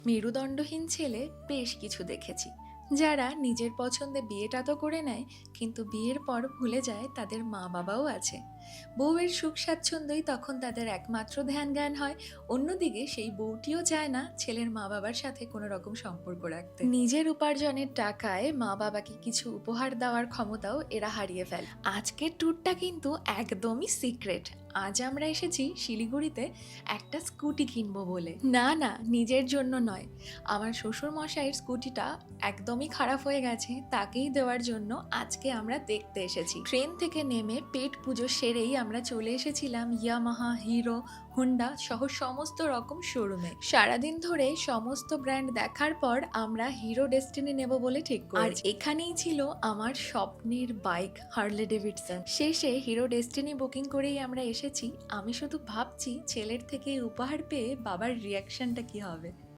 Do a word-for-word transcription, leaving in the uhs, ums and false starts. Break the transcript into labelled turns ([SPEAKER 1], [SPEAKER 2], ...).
[SPEAKER 1] মেরুদণ্ডহীন ছেলে বেশ কিছু দেখেছি, যারা নিজের পছন্দে বিয়েটা তো করে নেয়, কিন্তু বিয়ের পর ভুলে যায় তাদের মা বাবাও আছে। বউয়ের সুখ স্বাচ্ছন্দ্যই তখন তাদের একমাত্র ধ্যান জ্ঞান হয়। অন্যদিকে সেই বউটিও চায় না ছেলের মা বাবার সাথে কোনো রকম সম্পর্ক রাখতে। নিজের উপার্জনের টাকায় মা বাবাকে কিছু উপহার দেওয়ার ক্ষমতাও এরা হারিয়ে ফেলে। আজকের ট্যুরটা কিন্তু একদমই সিক্রেট। আজ আমরা এসেছি শিলিগুড়িতে একটা স্কুটি কিনবো বলে। না না, নিজের জন্য নয়, আমার শ্বশুর মশাইয়ের স্কুটিটা একদমই খারাপ হয়ে গেছে, তাকেই দেওয়ার জন্য আজকে আমরা দেখতে এসেছি। ট্রেন থেকে নেমে পেট পুজো সেরেই আমরা চলে এসেছিলাম ইয়ামাহা, হিরো, হুন্ডা সহ সমস্ত রকম শোরুমে। সারাদিন ধরে সমস্ত ব্র্যান্ড দেখার পর আমরা হিরো ডেস্টিনি নেব বলে ঠিক করি। আর এখানেই ছিল আমার স্বপ্নের বাইক হার্লে ডেভিডসন। শেষে হিরো ডেস্টিনি বুকিং করেই আমরা এসেছি। আমি শুধু ভাবছি ছেলের থেকে উপহার পেয়ে বাবার রিয়াকশনটা কি হবে।